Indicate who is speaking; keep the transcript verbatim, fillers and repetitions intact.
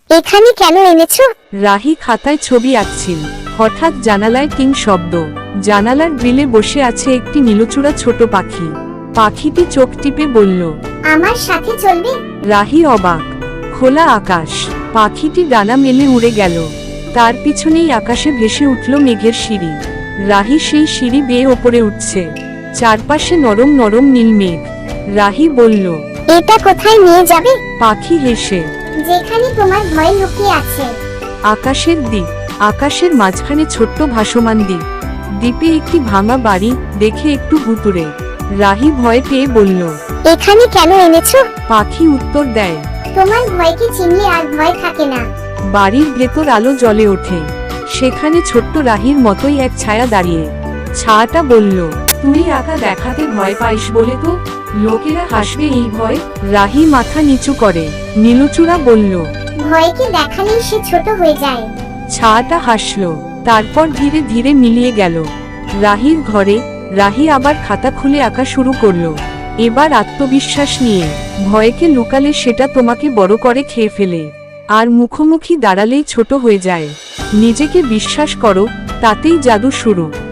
Speaker 1: এখানে কেন এনেছো?
Speaker 2: রাহি খাতায় ছবি আঁকছিল। হঠাৎ জানালায় টিং শব্দ। জানালার গ্রিলে বসে আছে একটি নীলচূড়া ছোট পাখি। পাখিটি চোখ টিপে বলল,
Speaker 1: আমার সাথে চলবে?
Speaker 2: রাহি অবাক। খোলা আকাশ, পাখিটি ডানা মেলে উড়ে গেল। তার পিছনেই আকাশে ভেসে উঠল মেঘের সিঁড়ি। রাহি সেই সিঁড়ি বেয়ে ওপরে উঠছে। চারপাশে নরম নরম নীল মেঘ। রাহি বলল,
Speaker 1: এটা কোথায় নিয়ে যাবে?
Speaker 2: পাখি হেসে,
Speaker 1: যেখানে তোমার ভয় লুকিয়ে আছে।
Speaker 2: আকাশের দ্বীপ। আকাশের মাঝখানে ছোট্ট ভাসমান দ্বীপ। দ্বীপে একটি ভাঙা বাড়ি, দেখে একটু ভুতুড়ে। রাহি ভয় পেয়ে বলল,
Speaker 1: এখানে কেন এনেছো?
Speaker 2: পাখি উত্তর দেয়,
Speaker 1: তোমার ভয়কে চিনলে আর ভয় থাকে না।
Speaker 2: বাড়ির ভেতর আলো জ্বলে ওঠে। সেখানে ছোট্ট রাহির মতোই এক ছায়া দাঁড়িয়ে। ছায়াটা বলল, তুই একা দেখাতে ভয় পাইস বলে তো লোকেরা হাসবে এই ভয়। রাহি মাথা নিচু করে। নীলচূড়া বলল,
Speaker 1: ভয়কে দেখালেই সে ছোট হয়ে যায়।
Speaker 2: ছায়াটা হাসলো, তারপর ধীরে ধীরে মিলিয়ে গেল। রাহির ঘরে রাহি আবার খাতা খুলে আঁকা শুরু করলো। এবার আত্মবিশ্বাস নিয়ে। ভয়কে লুকালে সেটা তোমাকে বড় করে খেয়ে ফেলে, আর মুখোমুখি দাঁড়ালেই ছোট হয়ে যায়। নিজেকে বিশ্বাস করো, তাতেই জাদু শুরু।